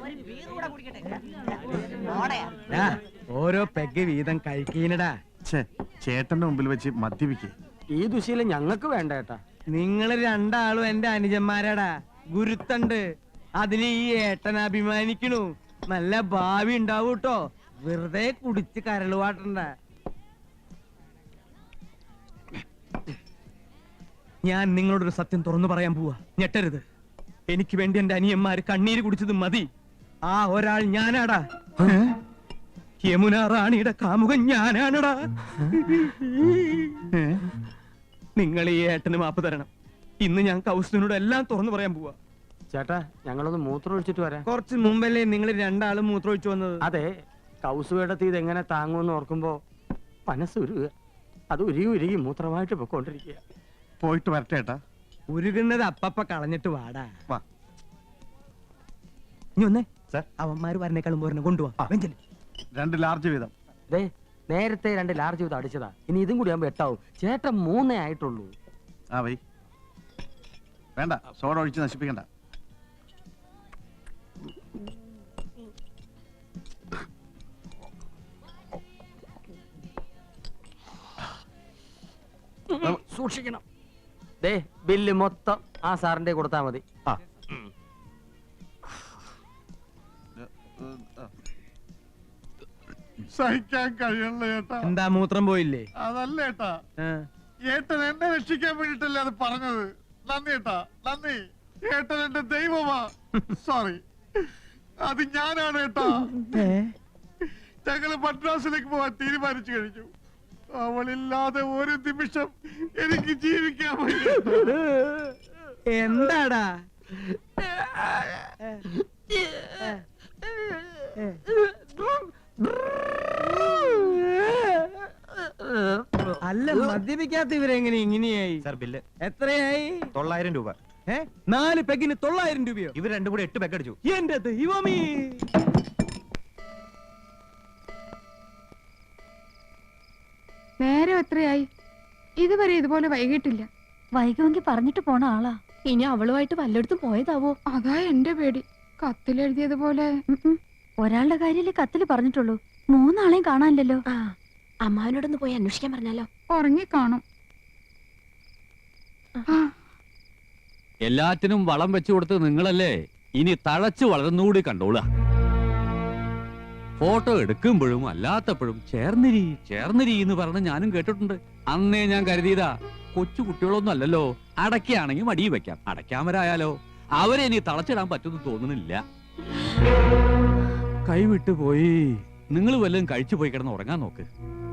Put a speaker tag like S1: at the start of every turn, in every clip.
S1: ഓരോ പെഗ് വീതം കഴിക്കീനടാ.
S2: ചേട്ടന്റെ മുമ്പിൽ വെച്ച് മദ്യപിക്കേ.
S3: ഈ ദുശീലം ഞങ്ങൾക്ക് വേണ്ട ഏട്ടാ.
S1: നിങ്ങള് രണ്ടാളും എന്റെ അനുജന്മാരാടാ. ഗുരുത്തണ്ട്. അതിന് ഈ ഏട്ടൻ അഭിമാനിക്കണു. നല്ല ഭാവി ഉണ്ടാവൂട്ടോ. വെറുതെ കുടിച്ച് കരളുവാട്ടണ്ട. ഞാൻ നിങ്ങളോടൊരു സത്യം തുറന്നു പറയാൻ പോവാ. ഞെട്ടരുത്. എനിക്ക് വേണ്ടി എന്റെ അനിയന്മാര് കണ്ണീര് കുടിച്ചത് മതി. ആ ഒരാൾ ഞാനാടാ. യമുന റാണിയുടെ കാമുകൻ ഞാനാണടാ. നിങ്ങൾ ഈ ഏട്ടന് മാപ്പ് തരണം. ഇന്ന് ഞാൻ കൗസുവിനോട് എല്ലാം തുറന്നു പറയാൻ പോവാ.
S3: ചേട്ടാ, ഞങ്ങളൊന്ന് മൂത്രം ഒഴിച്ചിട്ട് വരാം.
S1: കുറച്ച് മുമ്പല്ലേ നിങ്ങൾ രണ്ടാളും മൂത്രം ഒഴിച്ചു വന്നത്?
S3: അതെ, കൗസുവേടത്തി ഇതെങ്ങനെ താങ്ങുമെന്ന് ഓർക്കുമ്പോ മനസ്സുരുക. അത് ഉരുകി ഉരുകി മൂത്രമായിട്ട് പൊക്കോണ്ടിരിക്കുക.
S2: പോയിട്ട് വരട്ടെ ഏട്ടാ.
S1: ഉരുകുന്നത് അപ്പപ്പ കളഞ്ഞിട്ട് വാടാ. ഇനി ഒന്നേ അവന്മാര് വരണേക്കാളും പോരണ കൊണ്ടുപോവാ.
S2: 2 ലാർജ് വീതം.
S3: നേരത്തെ 2 ലാർജ് വീതം അടിച്ചതാ. ഇനി ഇതും കൂടി ആകുമ്പോ 8 ആവും. ചേട്ടൻ 3 ആയിട്ടുള്ളൂ.
S2: ആ വൈ വേണ്ട, സോഡ ഒഴിച്ച് നശിപ്പിക്കണ്ട.
S3: സൂക്ഷിക്കണം. ബില്ല് മൊത്തം ആ സാറിന്റെ കൊടുത്താ മതി.
S2: സഹിക്കാൻ കഴിയണല്ലോ ഏട്ടാ.
S1: എന്താ മൂത്രം പോയില്ലേ?
S2: അതല്ല ഏട്ടാ, ഏട്ടൻ എന്നെ രക്ഷിക്കാൻ വേണ്ടിട്ടല്ലേ അത് പറഞ്ഞത്. നന്ദി ഏട്ടാ, നന്ദി. ഏട്ടൻ എന്റെ ദൈവമാ. സോറി, അത് ഞാനാണ് ഏട്ടാ. ഞങ്ങള് മദ്രാസിലേക്ക് പോവാൻ തീരുമാനിച്ചു കഴിഞ്ഞു. അവളില്ലാതെ ഒരു നിമിഷം എനിക്ക് ജീവിക്കാൻ പറ്റില്ല.
S1: എന്താടാ? അല്ല, മദ്യപിക്കാത്ത ഇവരെങ്ങനെ ഇങ്ങനെയായി?
S4: സാർ ബില്ല്
S1: എത്രയായി?
S4: 900 രൂപ.
S1: 4 പെഗിന് 900 രൂപയോ?
S4: ഇവർ രണ്ടും കൂടി 8 പെഗ് അടിച്ചു.
S1: എന്റെ ദൈവമേ!
S5: നേരം എത്രയായി? ഇതുവരെ ഇതുപോലെ വൈകിട്ടില്ല.
S6: വൈകുമെങ്കിൽ പറഞ്ഞിട്ട് പോണ ആളാ. ഇനി അവളുമായിട്ട് വല്ലയിടത്തും പോയതാവോ?
S5: അതാ എന്റെ പേടി. കത്തിലെഴുതിയതുപോലെ.
S6: ഒരാളുടെ കാര്യല്ലേ കത്തില് പറഞ്ഞിട്ടുള്ളൂ. 3 ആളെയും കാണാനില്ലല്ലോ.
S7: അമ്മാവനോടൊന്ന് പോയി അന്വേഷിക്കാൻ പറഞ്ഞാലോ?
S5: ഉറങ്ങിക്കാണും.
S8: എല്ലാറ്റിനും വളം വെച്ചു കൊടുത്ത് നിങ്ങളല്ലേ. ഇനി തഴച്ചു വളർന്നുകൂടി കണ്ടോളുക. ഫോട്ടോ എടുക്കുമ്പോഴും അല്ലാത്തപ്പോഴും ചേർന്നിരി ചേർന്നിരി എന്ന് പറഞ്ഞ് ഞാനും കേട്ടിട്ടുണ്ട്. അന്നേ ഞാൻ കരുതിയതാ, കൊച്ചു കുട്ടികളൊന്നും അല്ലല്ലോ, അടയ്ക്കാണെങ്കിൽ മടിയിൽ വെക്കാം, അടയ്ക്കാമരായാലോ. അവരെ ഇനി തളച്ചിടാൻ പറ്റുമെന്ന് തോന്നുന്നില്ല. കൈവിട്ടു പോയി. നിങ്ങൾ വല്ലതും കഴിച്ചു പോയി കിടന്ന് ഉറങ്ങാൻ നോക്ക്.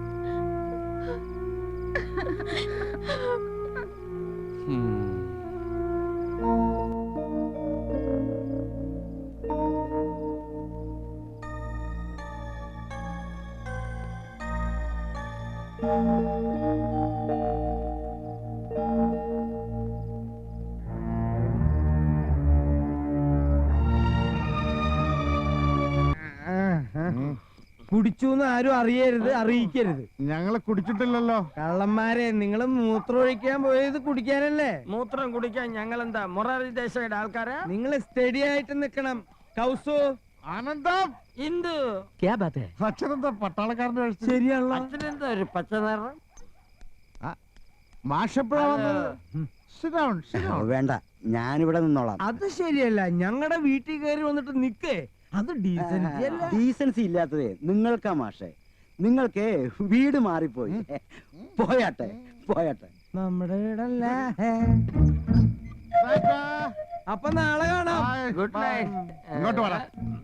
S1: കുടിച്ചൂന്ന് ആരും അറിയരുത്, അറിയിക്കരുത്.
S2: ഞങ്ങള് കുടിച്ചിട്ടില്ലല്ലോ.
S1: കള്ളന്മാരെ, നിങ്ങൾ മൂത്രം ഒഴിക്കാൻ പോയത് കുടിക്കാനല്ലേ?
S3: മൂത്രം കുടിക്കാൻ ഞങ്ങൾ എന്താ മൊറാർജി ദേശയുടെ ആൾക്കാരാ?
S1: നിങ്ങൾ സ്റ്റഡി ആയിട്ട് നിക്കണം. കൗസു,
S2: ആനന്ദം,
S3: ഇന്ദു,
S2: അച്ഛനെന്താ പട്ടാളക്കാരന്റെ വേഷം?
S1: ശരിയാണല്ലോ.
S3: അച്ഛനെന്താ ഒരു പച്ച നിറം?
S2: മാഷെപ്പോഴാ വന്നത്?
S9: വേണ്ട, ഞാനിവിടെ നിന്നോളാം.
S1: അത് ശരിയല്ല. ഞങ്ങളുടെ വീട്ടിൽ കയറി വന്നിട്ട് നിക്കേ. അത് ഡീസൻസി അല്ല.
S9: ഡീസൻസി ഇല്ലാത്തതേ നിങ്ങൾക്കാ മാഷെ. നിങ്ങൾക്ക് വീട് മാറിപ്പോയി. പോയാട്ടെ പോയാട്ടെ.
S1: നമ്മുടെ വീടല്ല. അപ്പൊ നാളെ കാണാം.
S3: Good night.
S2: ഇങ്ങോട്ട് വരാം.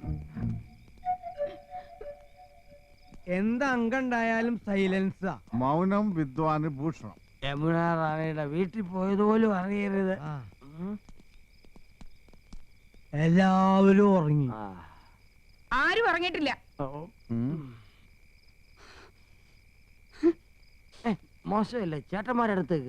S1: എന്ത് അംഗണ്ടായാലും സൈലൻസാ.
S2: മൗനം വിദ്വാന് ഭൂഷണം.
S3: യമുന റാണിയുടെ വീട്ടിൽ പോയതുപോലും അറിയരുത്.
S1: എല്ലാവരും ഉറങ്ങി.
S5: ആരും ഉറങ്ങിയിട്ടില്ല.
S3: മോശമല്ലേ ചേട്ടന്മാരടുത്തേക്ക്?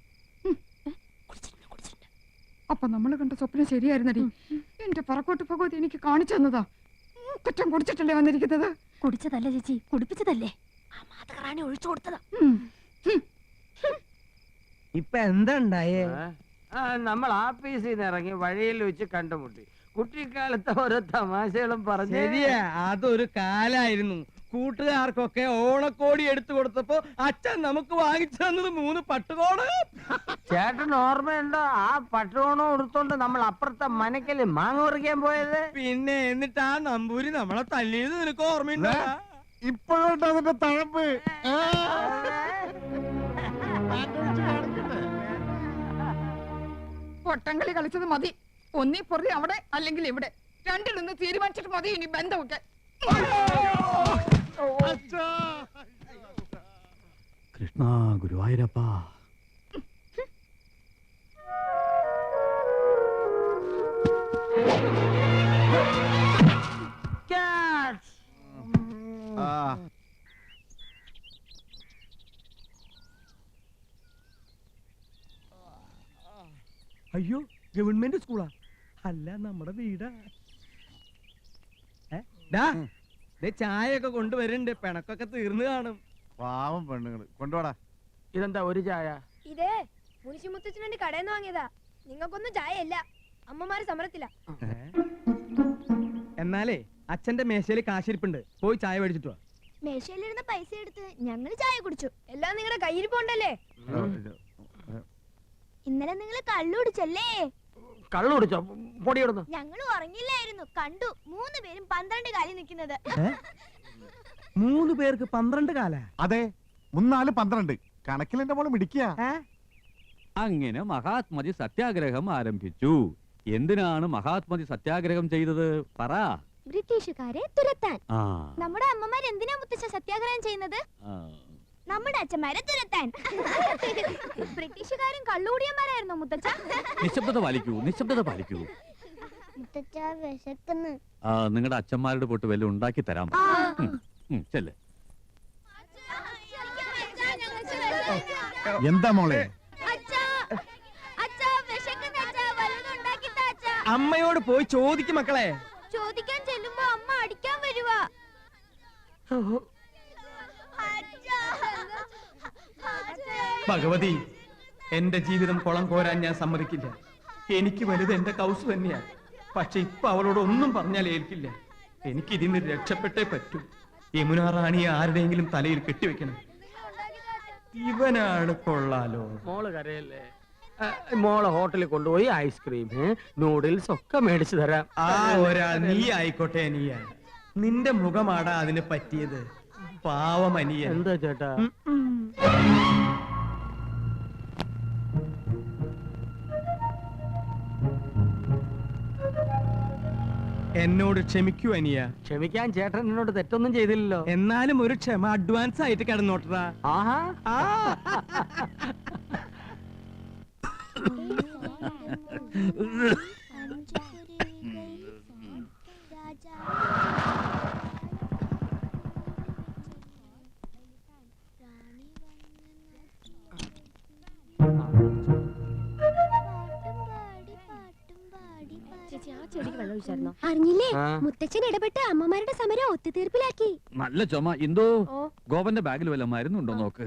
S5: അപ്പൊ നമ്മൾ കണ്ട സ്വപ്നം ശരിയായിരുന്നടി. എന്റെ പറക്കോട്ട് ഭഗവതി എനിക്ക് കാണിച്ചു തന്നതാ. കുറ്റം കുടിച്ചിട്ടല്ലേ വന്നിരിക്കുന്നത്?
S6: കുടിച്ചതല്ല ചേച്ചി, കുടിപ്പിച്ചതല്ലേ.
S7: ആ മാതകറാണി ഒഴിച്ചു കൊടുത്തതാ.
S1: ഇപ്പൊ എന്താ ഉണ്ടായേ?
S3: നമ്മൾ ആഫീസിൽ നിന്ന് ഇറങ്ങി വഴിയിൽ വെച്ച് കണ്ടുമുട്ടി. കുട്ടിക്കാലത്തെ ഓരോ തമാശകളും പറഞ്ഞു.
S1: ശരിയാ, അതൊരു കാലായിരുന്നു. കൂട്ടുകാർക്കൊക്കെ ഓണക്കോടി എടുത്തു കൊടുത്തപ്പോ അച്ഛൻ നമുക്ക് വാങ്ങിച്ചു തന്നത് 3 പട്ടുകോട്.
S3: ചേട്ടൻ ഓർമ്മയുണ്ടോ ആ പട്ടുകോണം എടുത്തോണ്ട് നമ്മൾ അപ്പുറത്തെ മനക്കല് മാങ്ങ പറിക്കാൻ പോയത്?
S1: പിന്നെ എന്നിട്ട് ആ നമ്പൂരി നമ്മളെ തല്ലിയത് നിനക്ക് ഓർമ്മയുണ്ടോ?
S2: ഇപ്പോഴുണ്ട് അതിന്റെ തഴമ്പ്.
S5: പൊട്ടങ്കളി കളിച്ചത് മതി. ഒന്നീ പൊറി അവിടെ അല്ലെങ്കിൽ ഇവിടെ, രണ്ടിലൊന്ന് തീരുമാനിച്ചിട്ട് മതി ഇനി ബന്ധമൊക്കെ.
S8: കൃഷ്ണ ഗുരുവായൂരപ്പ.
S1: അയ്യോ, ഗവൺമെന്റ് സ്കൂളാ? അല്ല, നമ്മുടെ വീടാ. ചായയൊക്കെ കൊണ്ടുവരണ്ട്. പിണക്കൊക്കെ തീർന്നു കാണും.
S2: പാവം പെണ്ണുങ്ങള്. കൊണ്ടുപോടാ.
S3: ഇതെന്താ ഒരു ചായ?
S7: ഇതേ മുനിശി മുത്തച്ഛന് വേണ്ടി കടയിൽ നിന്ന് വാങ്ങിയതാ. നിങ്ങൾക്കൊന്നും ചായ ഇല്ല. അമ്മമാര് സമരത്തില്ല.
S1: എന്നാലേ അച്ഛന്റെ മേശയില് കാശിരിപ്പുണ്ട്, പോയി ചായ മേടിച്ചിട്ട് വാ.
S7: മേശയിലിരുന്ന പൈസ എടുത്ത് ഞങ്ങൾ ചായ കുടിച്ചു. എല്ലാം നിങ്ങളുടെ കയ്യിരിപ്പുണ്ടല്ലേ? ഇന്നലെ നിങ്ങൾ കള്ളു കുടിച്ചല്ലേ?
S3: കള്ളു കുടിച്ചോ? പൊടിയിടുന്നു.
S7: ഞങ്ങൾ ഉറങ്ങില്ലായിരുന്നു. കണ്ടു 3 പേരും 12 കാലിൽ നിൽക്കുന്നത്.
S1: 3 പേർക്ക് 12 കാല?
S2: അതെ, 3 4 12. കണക്കിൽ എന്റെ മോള് മിടിക്കുക.
S8: അങ്ങനെ മഹാത്മജി സത്യാഗ്രഹം ആരംഭിച്ചു. എന്തിനാണ് മഹാത്മജി സത്യാഗ്രഹം ചെയ്തത് പറ?
S7: ബ്രിട്ടീഷുകാരെ തുരത്താൻ.
S8: ആ,
S7: നമ്മുടെ അമ്മമാർ എന്തിനാ മുത്തച്ഛ സത്യാഗ്രഹം ചെയ്യുന്നത്?
S8: ആ.
S7: നമ്മുടെ അച്ഛന്മാരെ തുരത്താൻ. ബ്രിട്ടീഷുകാരും കള്ളുകൂടിയന്മാരായിരുന്നോ മുത്തച്ഛ?
S8: നിശബ്ദത പാലിക്കൂ, നിശബ്ദത പാലിക്കൂ.
S7: മുത്തച്ഛ വിശക്കുന്നു.
S8: നിങ്ങളുടെ അച്ഛന്മാരുടെ പോട്ട് വല്ലതും ഉണ്ടാക്കി തരാം. ചെല്ല്.
S2: എന്താ മോളെ?
S1: അമ്മയോട് പോയി ചോദിക്കും മക്കളെ.
S7: ചോദിക്കാൻ ചെല്ലുമ്പോ അമ്മ അടിക്കാൻ വരുവാ.
S1: ഭഗവതി, എന്റെ ജീവിതം കുളം കോരാൻ ഞാൻ സമ്മതിക്കില്ല. എനിക്ക് വലുത് എന്റെ കൗസ് തന്നെയാ. പക്ഷെ ഇപ്പൊ അവളോട് ഒന്നും പറഞ്ഞാൽ ഏൽക്കില്ല. എനിക്ക് ഇതിന് രക്ഷപ്പെട്ടേ പറ്റൂ. യമുന റാണിയെ ആരുടെയെങ്കിലും തലയിൽ കെട്ടിവെക്കണം. ഇവനാണ് കൊള്ളാലോ.
S3: മോള് കരയല്ലേ? മോളെ ഹോട്ടലിൽ കൊണ്ടുപോയി ഐസ്ക്രീം നൂഡിൽസ് ഒക്കെ മേടിച്ചു തരാം.
S1: ആ ഒരാൾ നീ ആയിക്കോട്ടെ. നീയാ, നിന്റെ മുഖമാടാ അതിന് പറ്റിയത്. പാവമനിയ.
S3: എന്താ ചേട്ടാ?
S1: എന്നോട് ക്ഷമിക്കൂ അനിയ.
S3: ക്ഷമിക്കാൻ ചേട്ടൻ എന്നോട് തെറ്റൊന്നും ചെയ്തില്ലല്ലോ.
S1: എന്നാലും ഒരു ക്ഷമ അഡ്വാൻസ് ആയിട്ട് കിടന്നോട്ടറാ.
S3: ആഹാ.
S7: അറിഞ്ഞില്ലേ? മുത്തച്ഛൻ ഇടപെട്ട് അമ്മമാരുടെ സമരം ഒത്തുതീർപ്പിലാക്കി.
S8: നല്ല ചുമ. എന്തോ ഗോപന്റെ ബാഗിൽ വല്ല മരുന്നുണ്ടോ നോക്ക്.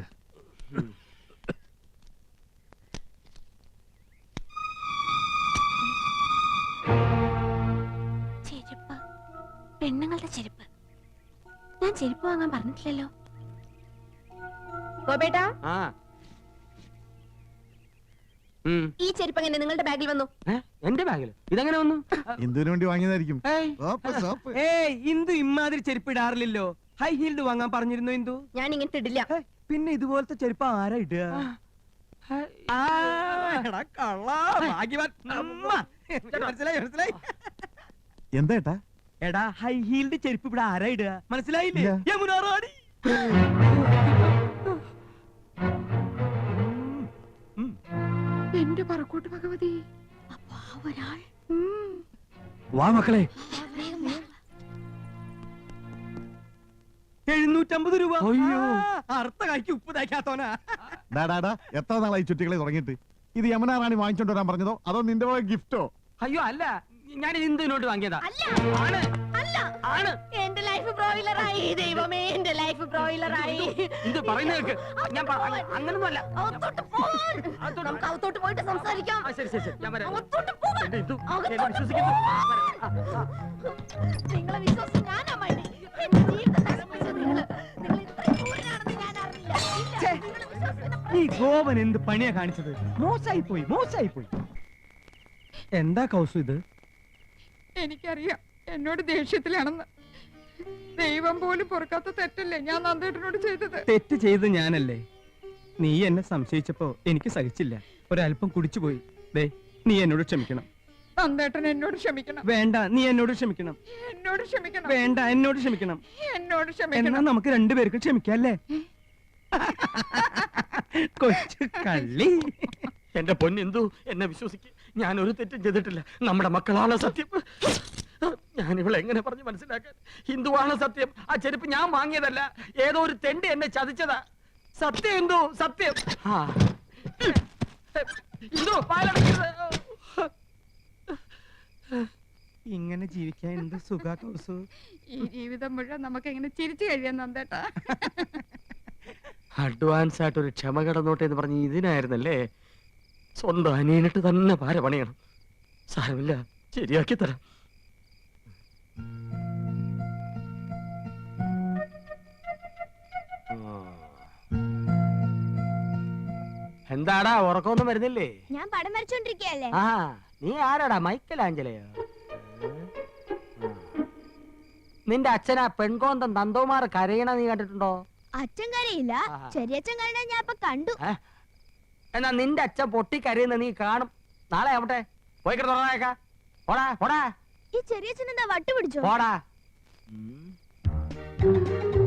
S7: ചെരുപ്പ്, പെണ്ണുങ്ങളുടെ ചെരുപ്പ്. ഞാൻ ചെരുപ്പ് വാങ്ങാൻ പറഞ്ഞിട്ടില്ലല്ലോ. ഗോപേട്ടാ, ഈ ചെരുപ്പ് എങ്ങനെ നിങ്ങളുടെ ബാഗിൽ വന്നു?
S3: എന്റെ ബാഗിൽ ഇതെങ്ങനെ വന്നു?
S2: എന്തിനു വേണ്ടി വാങ്ങിയതായിരിക്കും.
S1: ഏയ്, ഇന്ദു ഇമ്മാതിരി ചെരുപ്പ് ഇടാറില്ലല്ലോ. ഹൈ ഹീൽഡ് വാങ്ങാൻ പറഞ്ഞിരുന്നു ഇന്ദു.
S7: ഞാൻ ഇങ്ങനത്തെ ഇടില്ല.
S1: പിന്നെ ഇതുപോലത്തെ ചെരുപ്പ് ആരാ ഇടുക? മനസ്സിലായി.
S2: എന്താ ഏട്ടാ?
S1: എടാ, ഹൈ ഹീൽഡ് ചെരുപ്പ് ഇവിടെ ആരാ ഇടുക? മനസ്സിലായില്ലേ? യമുന റാണി.
S5: എന്റെ പറക്കോട്ട് ഭഗവതി.
S7: ഒരാൾ
S8: വാ മക്കളെ.
S1: 750 രൂപ.
S3: അയ്യോ.
S1: അർത്ഥ കായ്ക്ക് ഉപ്പ് തയ്ക്കാത്തോനാ.
S2: ഡാടാ, എത്ര നാളായി ചുറ്റികളെ തുടങ്ങിയിട്ട്? ഇത് യമുന റാണി വാങ്ങിച്ചോണ്ട് വരാൻ പറഞ്ഞതോ അതോ നിന്റെ പോലെ ഗിഫ്റ്റോ?
S3: അയ്യോ അല്ല, ഞാൻ ഇന്ദുവിനോട്ട് വാങ്ങിയതാ.
S7: അല്ല,
S3: ആണ്
S7: അല്ല,
S3: ആണ്.
S7: എന്റെ ലൈഫ്
S10: ലൈഫ് ബ്രോയിലറായി ദൈവമേ എന്റെ ലൈഫ് ബ്രോയിലറായി
S3: ഇത് പറയുന്ന കേൾക്ക് ഞാൻ അങ്ങനൊന്നുമല്ല
S10: നമുക്ക് അകത്തോട്ട് പോയിട്ട് സംസാരിക്കാം
S3: ശരി ശരി ശരി ഞാൻ വരാം
S10: അകത്തോട്ട് പോകാൻ.
S3: എന്റെ ഇന്ദു,
S10: അകത്തോട്ട്
S3: എന്നെ വിശ്വസിക്കുന്നു
S10: നിങ്ങളെ വിശ്വസിച്ച് ഞാനാ മൈനി എന്റെ ജീവിതം നശിപ്പിച്ചത് നിങ്ങൾ ഇത്രയും ക്രൂരനാണെന്ന് ഞാൻ അറിഞ്ഞില്ല ഇല്ല, നിങ്ങളെ വിശ്വസിക്കുന്ന
S1: ഈ ഗോപൻ എന്ത് പണിയാ കാണിച്ചത്? മോശമായി പോയി. എന്താ കൗസു ഇത്?
S5: എനിക്കറിയാം എന്നോട് ദേഷ്യത്തിലാണെന്ന്. ദൈവം പോലും പൊറുക്കാത്ത തെറ്റല്ലേ ഞാൻ നന്ദേട്ടനോട് ചെയ്തത്.
S1: തെറ്റ് ചെയ്ത് ഞാനല്ലേ? നീ എന്നെ സംശയിച്ചപ്പോ എനിക്ക് സഹിച്ചില്ല. ഒരല്പം കുടിച്ചുപോയി. ദേ, നീ എന്നോട് ക്ഷമിക്കണം.
S5: നന്ദേട്ടൻ എന്നോട് ക്ഷമിക്കണം.
S1: വേണ്ട, നീ എന്നോട് ക്ഷമിക്കണം.
S5: എന്നോട് ക്ഷമിക്കണം.
S1: വേണ്ട, എന്നോട് ക്ഷമിക്കണം.
S5: എന്നോട്
S1: എന്നാ
S5: ക്ഷമിക്കണം.
S1: നമുക്ക് രണ്ടുപേർക്കും ക്ഷമിക്കല്ലേ? കൊച്ചു കള്ളി.
S3: എന്റെ പൊന്നെന്തു എന്നെ വിശ്വസിക്ക്, ഞാൻ ഒരു തെറ്റും ചെയ്തിട്ടില്ല. നമ്മുടെ മക്കളാണ് സത്യം. ഞാൻ ഇവളെ എങ്ങനെ പറഞ്ഞ് മനസ്സിലാക്കാൻ? ഹിന്ദുവാണ് സത്യം. ആ ചെരുപ്പ് ഞാൻ വാങ്ങിയതല്ല, ഏതോ ഒരു തെണ്ടി എന്നെ ചതിച്ചതാ. സത്യം എന്തു സത്യം. ഹിന്ദു പാലടക്കരുത്.
S1: ഇങ്ങനെ ജീവിക്കാൻ എന്ത് സുഖ കൗസു.
S5: ഈ ജീവിതം മുഴുവൻ നമുക്ക് എങ്ങനെ ചിരിച്ചു കഴിയാൻ നന്ദേട്ടാ.
S3: അഡ്വാൻസ് ആയിട്ട് ഒരു ക്ഷമ കടന്നോട്ടെ എന്ന് പറഞ്ഞ് ഇതിനായിരുന്നല്ലേ? സ്വന്തം അനിയനിട്ട് തന്നെ പാര പണിയണം. സാരമില്ല, ശരിയാക്കി തരാം. എന്താടാ ഉറക്കമൊന്നും വരുന്നില്ലേ?
S7: ഞാൻ പടം വരച്ചോണ്ടിരിക്കയല്ലേ.
S3: ആ നീ ആരാടാ, മൈക്കലാഞ്ചലയോ? നിന്റെ അച്ഛനാ പെൺകോന്തം നന്ദോമാർ കരയണ നീ കണ്ടിട്ടുണ്ടോ?
S7: അച്ഛൻ കരയില്ല, ചെറിയച്ഛൻ കരയണ ഞാൻ ഇപ്പൊ കണ്ടു.
S3: എന്നാ നിന്റെ അച്ഛൻ പൊട്ടി കരയുന്ന നീ കാണും. നാളെ ആവട്ടെ, പോയി കിടന്നേക്കാ. പോടാ പോടാ
S7: ഈ ചെറിയച്ഛൻ എന്താ വട്ട് പിടിച്ചോ?
S3: പോടാ.